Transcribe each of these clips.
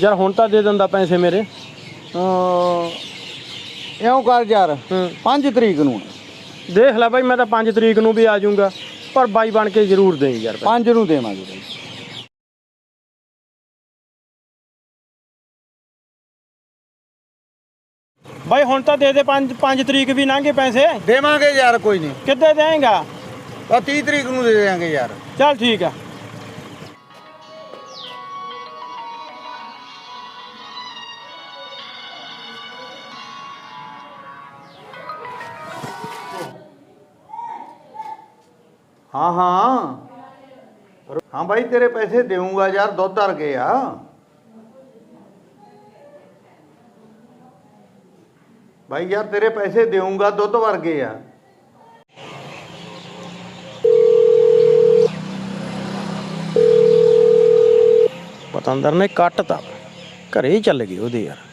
यार हुण तां दे दिंदा पैसे मेरे। ਇਉਂ ਕਰ ਯਾਰ 5 ਤਰੀਕ ਨੂੰ देख लै भाई मैं तो 5 तरीक नूं भी आ जाऊँगा पर बाई बन के जरूर दें यार। 5 ਨੂੰ ਦੇਵਾਂਗੇ ਬਾਈ। भाई हुण तां दे दे 5 तरीक भी लंघे पैसे। ਦੇਵਾਂਗੇ ਯਾਰ ਕੋਈ ਨਹੀਂ। किद्दे देंगा? 30 ਤਰੀਕ ਨੂੰ ਦੇ ਦੇਵਾਂਗੇ ਯਾਰ। चल ठीक है। हाँ हाँ हाँ भाई तेरे पैसे देऊंगा यार, दुध धर के आ। भाई यार तेरे पैसे देऊंगा, दुध भर के आ। पतंदर ने कटता घरे ही चल गए ਉਹਦੇ यार।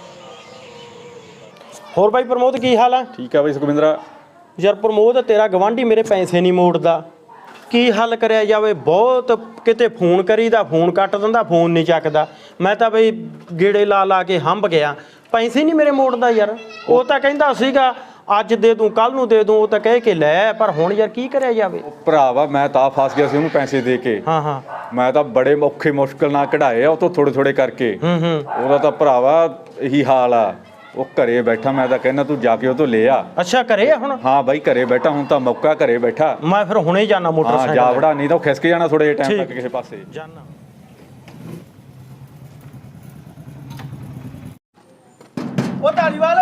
ਹੋਰ ਬਾਈ ਪ੍ਰਮੋਦ ਕੀ ਹਾਲ ਆ? ठीक है भाई सुखविंद्रा। ਯਾਰ ਪ੍ਰਮੋਦ ਤੇਰਾ ਗਵਾਂਢੀ ਮੇਰੇ ਪੈਸੇ ਨਹੀਂ ਮੋੜਦਾ, ਕੀ ਹੱਲ ਕਰਿਆ ਜਾਵੇ? ਬਹੁਤ ਕਿਤੇ ਫੋਨ ਕਰੀਦਾ ਫੋਨ ਕੱਟ ਦਿੰਦਾ, ਫੋਨ ਨਹੀਂ ਚੱਕਦਾ। ਮੈਂ ਤਾਂ ਬਈ ਗੇੜੇ ਲਾ ਲਾ ਕੇ ਹੰਬ ਗਿਆ, ਪੈਸੇ ਨਹੀਂ ਮੇਰੇ ਮੋੜਦਾ ਯਾਰ। ਉਹ ਤਾਂ ਕਹਿੰਦਾ ਸੀਗਾ ਅੱਜ ਦੇ ਦੂੰ ਕੱਲ ਨੂੰ ਦੇ ਦੂੰ, ਉਹ ਤਾਂ ਕਹਿ ਕੇ ਲੈ, ਪਰ ਹੁਣ ਯਾਰ ਕੀ ਕਰਿਆ ਜਾਵੇ? ਭਰਾਵਾ ਮੈਂ ਤਾਂ ਫਸ ਗਿਆ ਸੀ ਉਹਨੂੰ ਪੈਸੇ ਦੇ ਕੇ। ਹਾਂ ਹਾਂ ਮੈਂ ਤਾਂ ਬੜੇ ਔਖੇ ਮੁਸ਼ਕਲ ਨਾਲ ਕਢਾਏ ਆ ਉਹ ਤੋਂ ਥੋੜੇ ਥੋੜੇ ਕਰਕੇ। ਉਹਦਾ ਤਾਂ ਭਰਾਵਾ ਇਹੀ ਹਾਲ ਆ, ਉਹ ਘਰੇ ਬੈਠਾ। ਮੈਂ ਤਾਂ ਕਹਿੰਦਾ ਤੂੰ ਜਾ ਕੇ ਉਹ ਤੋਂ ਲੈ ਆ। ਅੱਛਾ ਘਰੇ ਆ ਹੁਣ? ਹਾਂ ਬਾਈ ਘਰੇ ਬੈਠਾ, ਹੁਣ ਤਾਂ ਮੌਕਾ ਘਰੇ ਬੈਠਾ। ਮੈਂ ਫਿਰ ਹੁਣੇ ਜਾਣਾ ਹਾਂ ਮੋਟਰਸਾਈਕਲ ਜਾ ਵੜਾ, ਨਹੀਂ ਤਾਂ ਉਹ ਖਿਸਕ ਜਾਣਾ ਥੋੜੇ ਜਿਹੇ ਟਾਈਮ ਠੀਕ। ਤੱਕ ਕਿਸੇ ਪਾਸੇ। ਜਾਣਾ। ਉਹ ਧਾਲੀਵਾਲ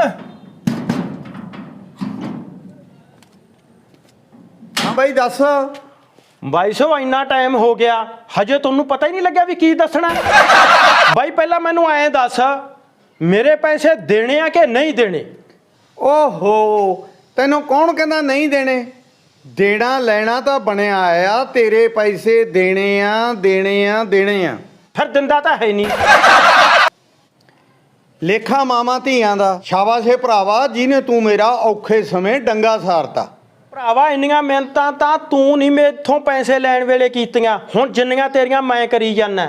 हाँ भाई दस। 2200 ਇੰਨਾ ਟਾਈਮ ਹੋ ਗਿਆ ਹਜੇ ਤੁਹਾਨੂੰ ਪਤਾ ਹੀ ਨਹੀਂ ਲੱਗਿਆ ਵੀ ਕੀ ਦੱਸਣਾ। ਬਾਈ ਪਹਿਲਾਂ ਮੈਨੂੰ ਐਂ ਦੱਸ ਮੇਰੇ ਪੈਸੇ ਦੇਣੇ ਆ ਕਿ ਨਹੀਂ ਦੇਣੇ? ओहो तेनों कौन कहना नहीं देने? देना लेना तो बनया आ, तेरे पैसे देने आ देने आ देने आ। ਫਿਰ ਦਿੰਦਾ ਤਾਂ ਹੈ ਨਹੀਂ। ਲੇਖਾ ਮਾਮਾ ਧੀਆਂ ਦਾ ਸ਼ਾਬਾਸ਼ ਏ ਭਰਾਵਾ, ਜਿਹਨੇ ਤੂੰ ਮੇਰਾ ਔਖੇ ਸਮੇਂ ਡੰਗਾ ਸਾਰਤਾ। ਭਰਾਵਾ ਇੰਨੀਆਂ ਮਿਹਨਤਾਂ ਤਾਂ ਤੂੰ ਨਹੀਂ ਮੇਥੋਂ ਪੈਸੇ ਲੈਣ ਵੇਲੇ ਕੀਤੀਆਂ, ਹੁਣ ਜਿੰਨੀਆਂ ਤੇਰੀਆਂ ਮੈਂ ਕਰੀ ਜਾਂਦਾ।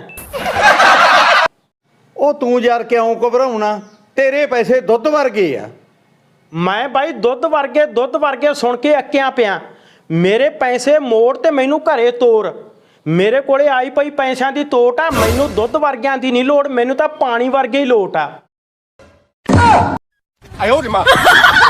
ਉਹ ਤੂੰ ਯਾਰ ਕਿਉਂ ਘਬਰਾਉਣਾ, ਤੇਰੇ ਪੈਸੇ ਦੁੱਧ ਵਰਗੇ ਆ। ਮੈਂ ਬਾਈ ਦੁੱਧ ਵਰਗੇ ਸੁਣ ਕੇ ਅੱਕਿਆ ਪਿਆ। ਮੇਰੇ ਪੈਸੇ ਮੋੜ ਤੇ ਮੈਨੂੰ ਘਰੇ ਤੋਰ। ਮੇਰੇ ਕੋਲੇ ਆਈ ਪਈ ਪੈਸਿਆਂ ਦੀ ਤੋਟ ਆ, ਮੈਨੂੰ ਦੁੱਧ ਵਰਗਿਆਂ ਦੀ ਨਹੀਂ ਲੋੜ, ਮੈਨੂੰ ਤਾਂ ਪਾਣੀ ਵਰਗੇ ਹੀ ਲੋਟ ਆ।